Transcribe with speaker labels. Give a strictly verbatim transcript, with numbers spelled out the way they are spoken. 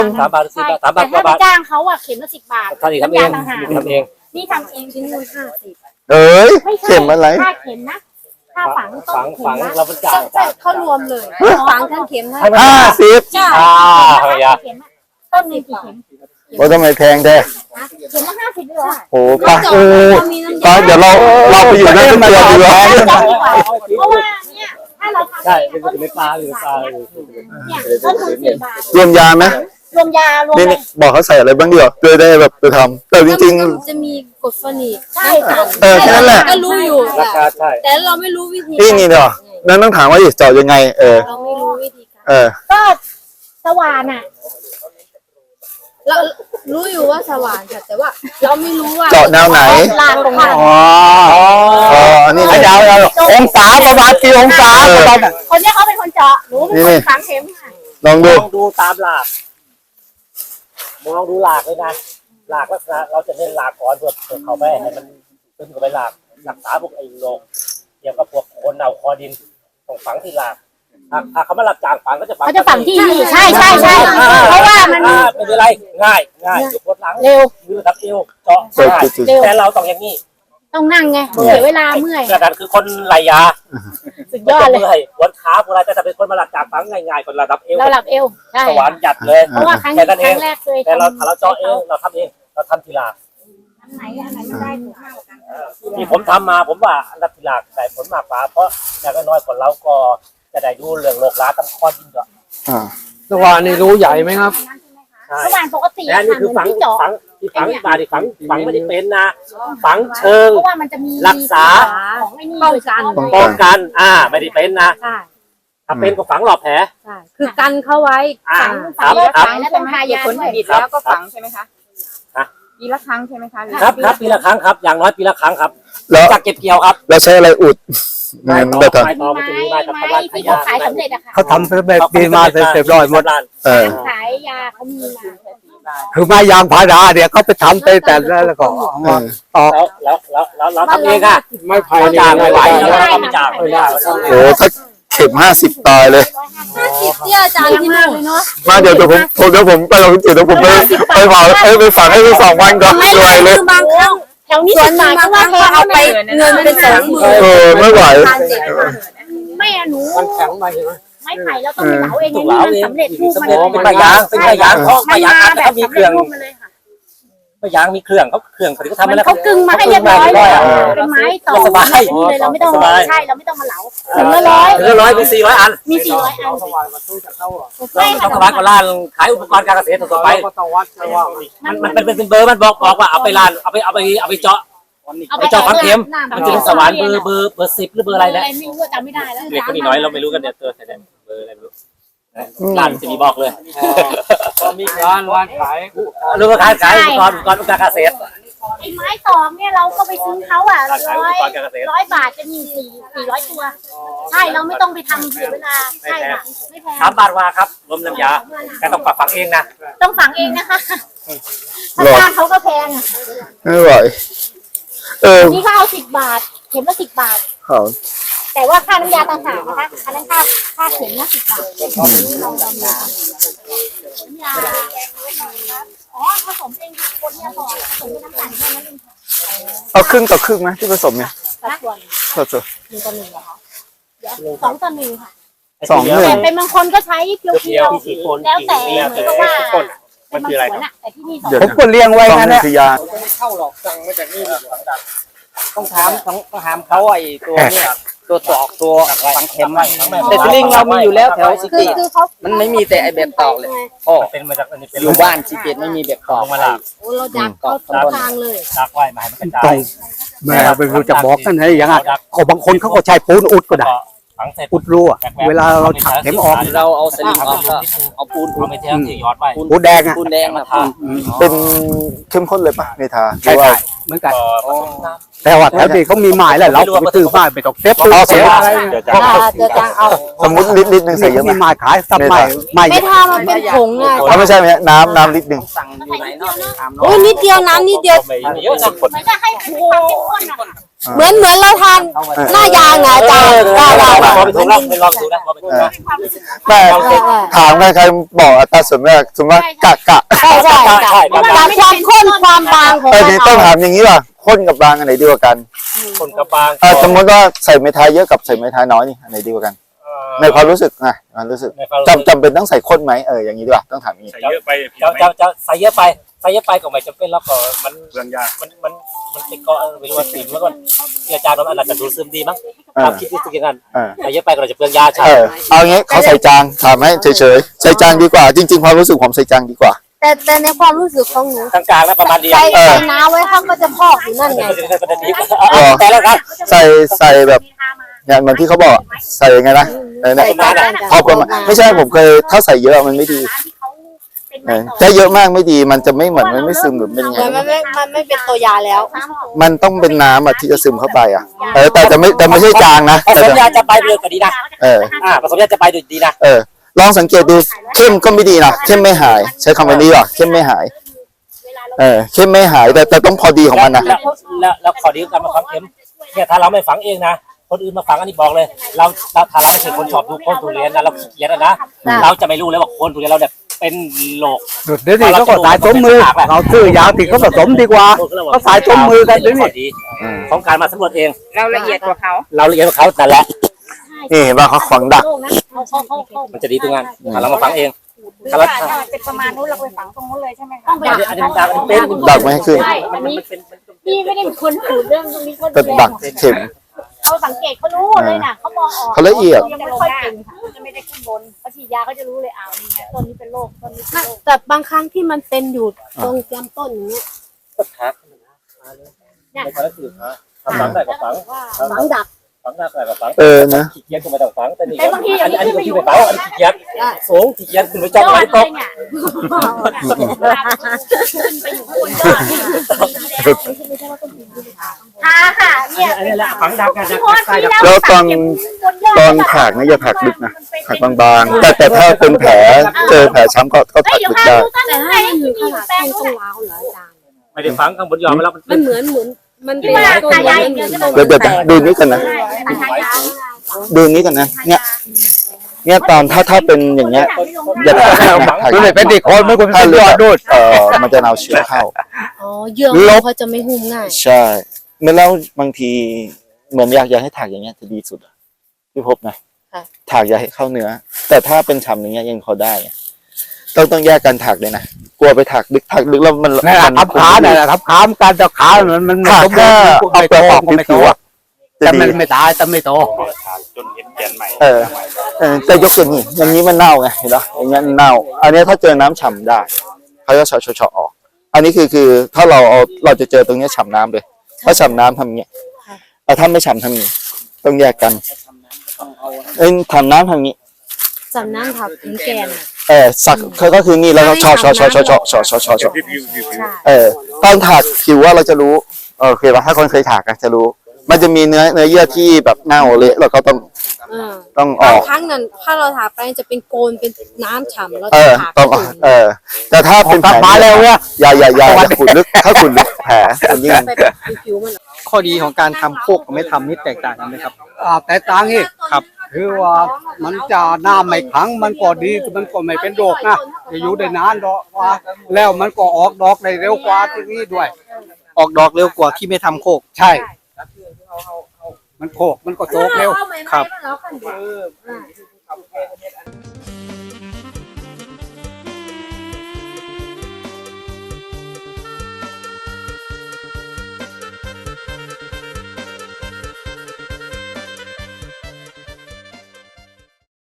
Speaker 1: สามบาทสิบบาทสามบาทกว่าบาท
Speaker 2: ถ้าไปจ้างเขาอะเข็มละสิบบาท
Speaker 1: ท่านนี่ทำเองทำเอง
Speaker 2: นี่ทำเองชิ้นละห้าสิบ
Speaker 3: เอ้ยเข็มอะไร
Speaker 2: ค่าเข็มนะค่าฝังต้
Speaker 1: ฝั
Speaker 2: น
Speaker 1: ง
Speaker 2: เข็
Speaker 1: ฝั
Speaker 2: ม
Speaker 1: ง
Speaker 2: นะ
Speaker 1: เราเป็นจ่าย
Speaker 2: เขารวมเลยฝังทั้งเข็มทั้ง
Speaker 3: ห้าสิบ
Speaker 2: จ้า
Speaker 1: อ่าทำไมอ่ะ
Speaker 2: ต้นหนึ่งกี่เข็ม
Speaker 3: ว่าทำไมแพงแท้
Speaker 2: เข็มละห้าสิบเลยเหรอ
Speaker 3: โอ้ปะโอ้ปะเดี๋ยวเราเราไปอยู่นั่นเป็นตัวดีกว่า
Speaker 2: เพราะว่าเนี่ยถ้าเราทำ
Speaker 1: ใช่เป็นเป็นปลาหรือปลา
Speaker 2: เนี่ยต้นทุนสี่บาท
Speaker 3: รวมยาไหม
Speaker 2: รวมยารวม
Speaker 3: นี่นี่บอกเขาใส่อะไรบ้างเดียวเพื่อได้แบบไปทำแต่จริง
Speaker 4: จะมีกรดฟอนิก
Speaker 2: ใช่ค่ะ
Speaker 3: ๆเออแค่นั้นแหละ
Speaker 4: ก็รู้อยู่
Speaker 1: ราคาใช่
Speaker 4: แต่เราไม่รู้วิธี
Speaker 3: นี่นี่เนาะนั่นต้องถามว่าจะเจาะยังไงเออ
Speaker 4: เราไม่รู้วิธีการ
Speaker 3: เออ
Speaker 2: ก็สว่านอ่ะ
Speaker 4: เรารู้อยู่ว่าสว่านค่ะแต่ว่าเราไม่รู้ว่า
Speaker 3: เจาะแนวไหน
Speaker 2: ลานตรงนั้น
Speaker 3: อ๋ออ๋ออันนี้
Speaker 1: ยาวยาวองศาประมาณกี่องศาประมาณ
Speaker 2: คนเนี้ยเขาเป็นคนเจาะหนูเป็นคนฝังเข็มค่ะ
Speaker 3: ลอง
Speaker 1: ม
Speaker 3: ดู
Speaker 1: องดูตามหลากมองดูหลากเลยนะหลากลักษณะเราจะเน้นหลากก่อนเพื่อเพื่อเขาไปให้มันขึ้นกับไปหลากรักษาพวกไอ้โรคเกี่ยวกับพวกคนเอาคอดินต้องฝังที่หลากถ้าเขามาหลับจางฝังก็จะฝัง
Speaker 2: เขาจะฝังที่นี่ใช่ใช่ใช่เพราะว่ามัน
Speaker 1: เป็นอะไรง่ายง่ายอยู่ปวดหลัง
Speaker 2: เร็ว
Speaker 1: มือทับเอวเจาะ
Speaker 3: เจาะ
Speaker 1: ง่าย
Speaker 3: จุด
Speaker 2: เร็ว
Speaker 1: แต่เราต้องอย่างนี้
Speaker 2: ต้องนั่งไงเสียเวลาเมื่อย
Speaker 1: กระดานคือคนไหลยา
Speaker 2: สุดยอดเลย
Speaker 1: มื่อยปวดขาปวดอะไรแต่ถ้าเป็นคนมาหลับจางฝังง่ายๆคนระดับเอว
Speaker 2: เราหลับเอวใช่
Speaker 1: สวรรค์หยัดเลย
Speaker 2: เพราะว่าครั้ง
Speaker 1: แค่
Speaker 2: ค
Speaker 1: นั้นเอ
Speaker 2: รั้
Speaker 1: ง
Speaker 2: งแรกเคย
Speaker 1: แต่เราถ้าเราเจาะเองเราทำเองเราทำทีหลัง
Speaker 2: อันไหนอันไหนไม่ได้ถูกมากกว่ากัน
Speaker 1: ที่ผมทำมาผมว่าอันดับทีหลังได้ผลมากกว่าเพราะอย่างน้อยคนเราก็จะได้ดูเรื่องโรคร้าตั้งข้อยิ่งด้วย
Speaker 3: อ่า
Speaker 5: สว่านนี่รู้ใหญ่ไหมครับ
Speaker 1: ใช่
Speaker 2: สว่านปกติ
Speaker 1: และ
Speaker 2: อะ
Speaker 1: นี่
Speaker 2: ค่ะ
Speaker 1: คือ
Speaker 2: เหมื
Speaker 1: ฝั
Speaker 2: อน
Speaker 1: ง
Speaker 2: ที่เจาะ
Speaker 1: ฝังที่ฝังบาดิฝังฝังไม่ได้เป็นนะฝังเชิง
Speaker 2: เพราะว่ามันจะมี
Speaker 1: รักษา
Speaker 2: ของไอ้นี่
Speaker 4: ป้องกัน
Speaker 1: ป้องกันอ่าไม่ได้เป็นนะ
Speaker 4: ใช่
Speaker 1: ถ้าเป็นก็ฝังหลอบแผล
Speaker 4: ใช่คือกันเขาไว้
Speaker 1: อ่า
Speaker 2: ฝัง
Speaker 1: ค
Speaker 2: ฝั
Speaker 1: รั
Speaker 2: ง
Speaker 1: บ
Speaker 2: ฝังแล้วต้องทายา
Speaker 6: ผลผ
Speaker 2: ด้วย
Speaker 6: ลิตแล้วก็ฝังใช่ไหมคะ
Speaker 1: ฮะ
Speaker 6: ปีละครั้งใช่ไหมคะหอ
Speaker 1: ครับครับปีละครั้งครับอย่างน้อยปีละครั้งครับ
Speaker 3: แล้ว
Speaker 1: จากเก็บเกี่ยวครับ
Speaker 3: แล้วใช้อะไรอุดเงินแบบ
Speaker 1: ไม้
Speaker 3: ทำ
Speaker 1: ตอมันจะมีไม้กับ
Speaker 2: ไม้
Speaker 1: พลา
Speaker 2: ที่เขาขายสำเร็จอะค่ะ
Speaker 5: เขาทำแบบดีมาเสร็จร้อยหมด
Speaker 3: เออ
Speaker 2: ขายยาเขามีมา
Speaker 5: คือไม้ยางพาราเนี่ยเขาไปทำไปแต่แล้วก็เอา
Speaker 3: เอ
Speaker 5: มา
Speaker 3: อ
Speaker 5: ตอก
Speaker 1: แล้วแล้วแล้วแล้วเราทำเองอ่ะ
Speaker 5: ไม้ไผ่
Speaker 1: ไม่
Speaker 5: นี่
Speaker 1: จ้าง
Speaker 5: ไม่
Speaker 1: ไม่ไห
Speaker 5: ไห
Speaker 1: ว
Speaker 5: ว
Speaker 1: แล้ว
Speaker 5: แล้ว
Speaker 1: เราไม่จ้างไม่ได้
Speaker 3: โอ้ถ้าเข็มห้าสิบตายเลย
Speaker 4: ห้าสิบที่อาจารย์ที่นู่นเลยเนาะ
Speaker 3: มาเดี๋ยวเดี๋ยวผมผมเดี๋ยวผมไปลองจุดเดี๋ยวผมไปไปเผาเอ้ยไปฝังให้ไปสองวันก่อนเหนื่อยเลย
Speaker 4: คือบางครั้ง
Speaker 2: แถวนี้
Speaker 4: ส่ว
Speaker 2: ส่
Speaker 4: น
Speaker 2: วน
Speaker 4: ห
Speaker 2: ให
Speaker 4: นึ่
Speaker 2: ญ่
Speaker 4: ง
Speaker 2: ก็
Speaker 4: บางค
Speaker 2: ว่า
Speaker 4: รั้ง
Speaker 2: แพ
Speaker 4: เขา
Speaker 2: ง
Speaker 4: เอาไปเงินเป็นสองหมื่น
Speaker 3: เออไม่ไหว
Speaker 4: พันเจ็ดพัน
Speaker 2: ไม่อะหนู
Speaker 5: มันแข็งไปใช่ไหม
Speaker 2: ไม้ไผ่เราต้องไปเหลาเอง
Speaker 1: ถู
Speaker 2: ไง
Speaker 1: ก
Speaker 2: นี่
Speaker 1: เหลา
Speaker 2: มัน
Speaker 1: เอง
Speaker 2: สำเร็จรูป
Speaker 1: สำ
Speaker 2: มัน
Speaker 1: เร็จเป็นไม้ยางเป็นไม้ยางเขาไม้
Speaker 2: มัน
Speaker 1: ยาง
Speaker 2: มา
Speaker 1: อัด
Speaker 2: แบ
Speaker 1: แล้ว
Speaker 2: บ
Speaker 1: มี
Speaker 2: สำ
Speaker 1: เค
Speaker 2: เร็
Speaker 1: รื่
Speaker 2: จ
Speaker 1: อง
Speaker 2: รูปมาเลยค่ะ
Speaker 1: ไม้ยางมีเครื่องเขาเครื่องเขาที่เขาทำ
Speaker 2: มั
Speaker 1: มาน แล้ว
Speaker 2: เขากึ่งมาให้เรียบร้อย
Speaker 1: เขากึ่งมาให้เรียบร้อยอะ
Speaker 2: เป็นไม้ต่อ
Speaker 1: สบาย
Speaker 2: แบบนี้เลยเราไม่ต้องใช่เราไม่ต้องมาเหลาถึงละร้อย
Speaker 1: ถึงละร้อยมีสี่ร้อยอัน
Speaker 2: มีสี่ร้อยอัน
Speaker 5: สว่านมาตู้จะเข้าหรอ
Speaker 2: ใช่
Speaker 1: ต้อง
Speaker 2: ค่ะ
Speaker 1: สบายกว่าร้านขายอุปกรณ์การเกษตรต่อไป
Speaker 5: เราก็ต้องวัดใช่ว่า
Speaker 1: มันมันเป็นเป็นเบอร์มันบอกบอกว่าเอาไปร้านเอาไปเอาไปเอาไปเจาะ
Speaker 2: เอา
Speaker 1: ไปเจาะฝังเข็ม
Speaker 2: หน้า
Speaker 1: มันจะเป็นสว่านเบอร์เบอร์เบอร์สิบหรือเบอร์อะไรนะ
Speaker 2: ไม่รู้จำไม่ได้แล้ว
Speaker 1: เด็กคนนี้น้อยเราไม่รู้กันเนี่ยตัวแต่เบอร์อะไรไม่รู้ร้านจะมีบอกเลย
Speaker 5: ก็มีร้านร้านขาย
Speaker 1: หรือว่าขายขายอุปกรณ์อุปกรณ์การเกษตร
Speaker 2: ไอ้ไม้ตอกเนี่ยเราก็ไปซื้อเขาอ่ะ
Speaker 1: ร้านขายอุ
Speaker 2: ร้อ
Speaker 1: ป
Speaker 2: ย
Speaker 1: กรณ์การเกษตร
Speaker 2: ร้อยบาทจะมีสี่สี่ร้อยตัว ใช่เราไม่ต้องไปทำเสียเวลาใช่ค่ะไม่แพง
Speaker 1: สามบาทว่าครับรวมน้ำยาแต่ต้องปรับฝังเองนะ
Speaker 2: ต้องฝังเองนะคะถ้า
Speaker 3: หรอ
Speaker 2: จ้างเขาก็แพงอ่ะ
Speaker 3: ไม่ไหวเออ
Speaker 2: นี่เขาเอาสิบบาท เข็มละสิบบาท
Speaker 3: เขา
Speaker 2: แต่ว่าค่าน้ำยาต่างหากนะคะอันนั้นค่าค่าเข็มละสิบบาทลองลองน้ำยาอ๋อผสมเองค่ะคนเนี่ยบอกผสมด้วยน้ำตาลแค่นั้นเองค่ะ
Speaker 3: เอาครึ่งต่อครึ่งไหมที่ผสมเนี่ย
Speaker 2: สัดส่วน
Speaker 3: สัดส่วน
Speaker 2: หนึ่งต่อหนึ่งเหรอคะเดี๋ยวสองต่อหนึ่งค่ะ
Speaker 3: สองหนึ่ง
Speaker 2: แต่เป็นบางคนก็ใช้เพียว
Speaker 1: เดียวสี่คน
Speaker 2: ๆแล้วแต่
Speaker 1: เดียว
Speaker 2: เหมื
Speaker 1: แต่
Speaker 2: อนกับว่า
Speaker 1: ทุกคน
Speaker 2: เป็
Speaker 1: มัน น
Speaker 2: บาง
Speaker 1: คืออะไร
Speaker 2: ส
Speaker 1: คว รับ
Speaker 2: นอะแต่ที่นี่สอง
Speaker 3: เดี๋ยว
Speaker 5: ผมก็เลี้ยงไว้
Speaker 3: สอง
Speaker 5: นะ
Speaker 3: หนึ่
Speaker 5: เนี่
Speaker 3: ง
Speaker 5: ย
Speaker 3: คือยา
Speaker 1: ไม่เข้าหรอกสั่งมาจากนี่ต้องถามต้องถามเขาไอ้ตัวเนี่ยตัวตอกตัวฝังเข็มแต่สลิงเรามีอยู่แล้วแถวสิ
Speaker 4: คือ
Speaker 1: ติ
Speaker 4: คือเขา
Speaker 1: มันไม่มีแต่ไอ้แบบตอกเลยพ่อเป็นมาจากอันนี้เป็นอยู่บ้านสิเกตไม่มีแบบตอกมาละ
Speaker 4: โอ้เราดักเขาทุกทางเลย
Speaker 1: ดักไว้มาให้มันกระจา
Speaker 5: ต้อง
Speaker 1: ย
Speaker 5: แม่ไปรู้จะบอกกันให้อย่างนั้นเขาบางคนเขาก็ใช้ปูนอุดก็ได้
Speaker 1: ฝังเสร็จ
Speaker 5: อุดรั่วเวลาเราถักเข็มออก
Speaker 1: เราเอาสลิงออกก็เอาปูนปูนไปเที่ยวที่ยอดไว้
Speaker 5: ปูนแดงอ่ะ
Speaker 1: ปูนแดงมาทา
Speaker 3: เป็นเข้มข้นเลยปะเมทาหรื
Speaker 5: ใช่
Speaker 3: อว่า
Speaker 5: ใช่เหมือนกันแต่ว่าแถวนี้เขามีไม้แล้วเราไปซื้อไม้ไปตอกเซ็ต
Speaker 3: เอาเสร็จ
Speaker 1: เดี๋ยวจะ
Speaker 4: อ่าเจอจางเอา
Speaker 3: สมมติลิตรลิตรหนึ่งใส่เยอะไหม
Speaker 5: มีไม้ขายซับไม้ไม้
Speaker 4: ไม่ทามันเป็นผงอ่ะ
Speaker 3: เขาไม่ใช่ไหมน้ำน้ำลิตรหนึ่ง
Speaker 1: สั่งอยู่ไหนเนาะ
Speaker 4: โอ้ยนิดเดียวน้ำนิดเดียว
Speaker 1: ไม่เยอะนะ
Speaker 2: เหมือนจะให้เป็นความเข้มข้นอะ
Speaker 4: เหมือนเหมือนเราทานหน้ายางอ่ะอาจารย์ได้ได้
Speaker 1: ลองไปถูกแล้วไปลองดูนะลองไปถูกนะ
Speaker 3: แต่ถามใครๆบอกอัตราส่วนมากส่วนมากกะกะ
Speaker 4: ใช่ใช่จากความข้นความบางของ
Speaker 3: เออ
Speaker 4: มะ
Speaker 3: นี่
Speaker 4: พ
Speaker 3: ต้อง
Speaker 4: ร้าว
Speaker 3: ถามอย่างนี้ว่ะข้นกับบางอันไหนดีกว่ากัน
Speaker 1: คนกับบาง
Speaker 3: เออสมมติว่าใส่ไม้ท้ายเยอะกับใส่ไม้ท้ายน้อยนี่อันไหนดีกว่ากัน ในความรู้สึกนะความรู้สึกจำจำเป็นต้องใส่ข้นไหมเอออย่างนี้ดีกว่าต้องถามอย่างนี้
Speaker 7: ใส่เยอะไปผิด
Speaker 1: จะ
Speaker 7: ไหม
Speaker 1: จะจะใส่เยอะไปใส่เยอะไปก็ไม่จำเป็นแล้วก็มัน
Speaker 7: เรื่องยาก
Speaker 1: มันมันมันติดเกาะไม่รู้ว่าติดแล้วก็ที่อาจารย์เราอาจจะดูซึมดีมั้งตามคิดที่สึกอย่างนั้น
Speaker 3: เออ
Speaker 1: ใส่เยอะไปก็เราจะเปลืองยาใช่
Speaker 3: เออเอางี้เขาใส่จางถามให้เฉยๆใส่จางดีกว่า จริง ๆ ความรู้สึกผมใส่จางดีกว่า
Speaker 4: แต่แต่ในความรู้สึกของหนู
Speaker 1: กลางๆแล้วประมาณเดียว
Speaker 4: ใส่
Speaker 3: เออ
Speaker 4: ใส่น้ำไว้เขาก็จะพอกอยู่นั่นไง
Speaker 1: แต่แล้วครับ
Speaker 3: ใส่ใส่แบบอย่างเหมือนที่เขาบอกใส่ยังไงนะเออเนี่ย
Speaker 1: ประมาณนั้น
Speaker 3: พอประมาณไม่ใช่ผมเคยถ้าใส่เยอะมันไม่ดีเออถ้าเยอะมากไม่ดีมันจะไม่เหมือนมันไม่ซึมหรือเป็นยังไง
Speaker 4: มันไม่มันไม่เป็นตัวยาแล้ว
Speaker 3: มันต้องเป็นน้ำอ่ะที่จะซึมเข้าไปอ่ะเออแต่จะไม่แต่ไม่ใช่จางนะ
Speaker 1: ผ
Speaker 3: แต่
Speaker 1: สม
Speaker 3: จะ
Speaker 1: ยาจะไปเลยก็ดีนะ
Speaker 3: เออ
Speaker 1: อ่าผสมยาจะไปดีนะ
Speaker 3: เออลองสังเกตดูเข้มก็ไม่ดีนะเข้มไม่หาย ใช้คำว่านี้ว่ะเข้มไม่หาย เออเข้มไม่หายแต่แต่ต้องพอดีของมันนะ
Speaker 1: แล้วแล้วแล้วขอดีของการมาฝังเข็มเนี่ยถ้าเราไม่ฝังเองนะคนอื่นมาฝังอันนี้บอกเลย เราเราถ้าเราไม่ใช่คนชอบดูโคนทุเรียนนะเราขี้เกียจนะ เราจะไม่รู้เลยว่าโคนทุเรียนเราเนี่ยเป็นโรค
Speaker 5: เดี๋ยวนี้เขาก็สายสมมือเราซื้อยาติดเขาผสมดีกว่าเขาสายสมมือกันเดี๋ยวนี้
Speaker 1: ดีของการมาสำรวจเอง
Speaker 6: เราละเอียดกว่าเขา
Speaker 1: เราละเอียดกว่าเขาแต่นแหละ
Speaker 3: นี่เห็นป่ะเขาขวางดัก
Speaker 1: มันจะดีตรงนั้นถ้าเรามาฝังเองถ้าเรา
Speaker 2: เป็นประมาณนู้นเราไปฝังตรงนู้นเลยใช่ไหมคะ
Speaker 1: อันนี้อันนี้มันดักอันนี้เป็น
Speaker 3: ดักไม่ให้ขึ้น
Speaker 1: มันมันเป็น
Speaker 2: พี่ไม่ได้เป็นคนขูดเรื่องตรงนี้ก็
Speaker 3: เป็นดักเข็ม
Speaker 2: เขาสังเกตเขารู้เลยนะเขามองออก
Speaker 3: เขาละเอียด
Speaker 2: ยังไม่ค่อยเก่งค่ะจะไม่ได้ขึ้นบนเขาฉีดยาเขาจะรู้เลยอ้าวนี่ไงต้นนี้เป็นโรคต้นนี้เป็นโรค
Speaker 4: แต่บางครั้งที่มันเป็นอยู่ตรงลำต้นอย่างเงี้ย
Speaker 1: ก็ทักไม่ใช่คือฮะทำฝังได้ก็ฝัง
Speaker 4: ฝังดัก
Speaker 1: ฝังได้ก็ฝัง
Speaker 3: เออนะ
Speaker 1: ขี้เกียจก็ไม่ต้องฝังแต่นี่อันนี้อันนี้ก็ที่ไปฝังอันนี้ขี้เกียจสูงขี้เกียจคุณไปจ้อง
Speaker 2: ยอ
Speaker 1: ไว้
Speaker 2: ด
Speaker 1: ต
Speaker 2: เล
Speaker 1: ก
Speaker 2: ยเนี่ยค่ะค่ะเนี่ย
Speaker 1: อันนี้แหละฝังดักกันดักใต้ดัก
Speaker 3: แล้วตอนตอนถากนะอย่าถากลึกนะถากบางๆแต่แต่ถ้าเป็นแผลเจอแผลช้ำก็ก็
Speaker 2: เฮ้ย
Speaker 3: ถาก
Speaker 2: เดี๋ยว
Speaker 3: ลึก
Speaker 2: พา
Speaker 3: ได้
Speaker 2: ดูต้น
Speaker 4: แต่
Speaker 2: ไหน
Speaker 4: ถ้ามัน
Speaker 2: ที่
Speaker 4: อยู่
Speaker 2: มี
Speaker 4: ข
Speaker 2: อยู่
Speaker 4: นาด
Speaker 2: แปล
Speaker 4: ต้
Speaker 2: ง
Speaker 4: น
Speaker 2: นู้
Speaker 4: ต้
Speaker 2: น
Speaker 4: อง
Speaker 2: น่ะ
Speaker 4: ร้าวเหรออาจารย์
Speaker 1: ไม่ได้ฝังข้างบนยอมแล้วมัน
Speaker 4: มันเหมือนเหมือนมันเป็น
Speaker 2: ที่ว่า
Speaker 4: ตัว
Speaker 2: ตายาย
Speaker 4: มัน
Speaker 2: เดียว
Speaker 4: เหมือน
Speaker 2: จะ
Speaker 3: เดี๋ยวเดี๋ยวเดี๋ยวดูนี้กันนะ
Speaker 2: ตายาย
Speaker 3: ดูนี้กันนะเนี่ยเนี่ยตอนถ้าถ้าเป็นอย่างเงี้ยอย่าถากนะถาก
Speaker 5: ดูเลยเป็นเด็กคนไม่ควร
Speaker 3: ถ้า
Speaker 5: เป็น
Speaker 3: เลื
Speaker 5: ย
Speaker 3: อ
Speaker 5: อ
Speaker 3: ด
Speaker 5: ดด้วย
Speaker 3: เออมันจะเอาเชื้อเข้า
Speaker 4: อ๋อเยื่อมันเขาจะไม่หุ้มง่าย
Speaker 3: ใช่เมื่อแล้วบางทีเหมือนอยากอยากให้ถากอย่างเงี้ยจะดีสุดอะพี่พบนะถากอย่าให้เข้าเนื้อ แต่ถ้าเป็นฉ่ำอย่างเงี้ยยังพอได้อะต้องต้องแยกกันถากเลยนะกลัวไปถากลึกถากลึกแล้วมัน
Speaker 5: นั่นแหละ
Speaker 3: มั
Speaker 5: ทับขาเนี่ยแหละทับขาการจะขามันมัน
Speaker 3: ถากแค่เอาเปลือกออก
Speaker 5: ไม่โต
Speaker 3: ผิวๆอะจะ
Speaker 5: แต่
Speaker 3: ดี
Speaker 5: มันไม่ตายแต่ไม่โต
Speaker 7: จนเห็นแกนใหม่
Speaker 3: เออเออแต่ยกตัวนี้อย่างนี้มันเน่าไงเห็นปะอย่างเงี้ยเน่า อันเนี้ยถ้าเจอน้ำฉ่ำได้เขาจะเฉาะเฉาะออก อันนี้คือคือถ้าเราเอาเราจะเจอตรงเนี้ยฉ่ำน้ำเลยถ้าฉ่ำน้ำทำอย่างเงี้ยแต่ถ้าไม่ฉ่ำทำอย่างงี้ต้องแยกกันเอ้ยทำน้ำทำอย่างงี้
Speaker 4: สำนักถักถึงแกน
Speaker 3: เออสักเขาก็คือนี่แล้วก็เฉาะเฉาะเฉาะเฉาะเฉาะเฉาะเฉาะเฉาะเฉาะ
Speaker 7: วิววิววิววิว
Speaker 3: เออตอนถากผิวว่าเราจะรู้เออโอเคป่ะถ้าคนเคยถากอะจะรู้ มันจะมีเนื้อเนื้อเยื่อที่แบบเน่าเละเราก็ต้อง
Speaker 4: เออ
Speaker 3: ต้องออบ
Speaker 4: าง
Speaker 3: ก
Speaker 4: ครั้งนั้นถ้าเราถากไปจะเป็นโกนเป็นน้ำฉ่ำแล้ว
Speaker 3: เออ
Speaker 4: ถาก
Speaker 3: ต้องออกเออ แต่ถ้าเป็นแผล
Speaker 5: มาแล้วเนี่ย
Speaker 3: อย่าอย่าอย่าอย่าขุดลึกถ้าขุดลึกแผลมันยิ่ง
Speaker 4: ไปแบบผิวๆมัน
Speaker 8: ข้อดีของการทำโคกกับไม่ทำนี่แตกต่างกันไหมครับ
Speaker 5: อ่าแต่ต่างอีก
Speaker 8: ครับ
Speaker 5: คือว่ามันจะน้ำไม่ขังมันก็ดีมันก็ไม่เป็นโรคนะจะอยู่ได้นานดอกว่าแล้วมันก็ออกดอกได้เร็วกว่าที่นี่ด้วย
Speaker 8: ออกดอกเร็วกว่าที่ไม่ทำโคก
Speaker 5: ใช่ มันโคกมันก็โตเร็ว
Speaker 8: ครับ
Speaker 4: แล้วกัน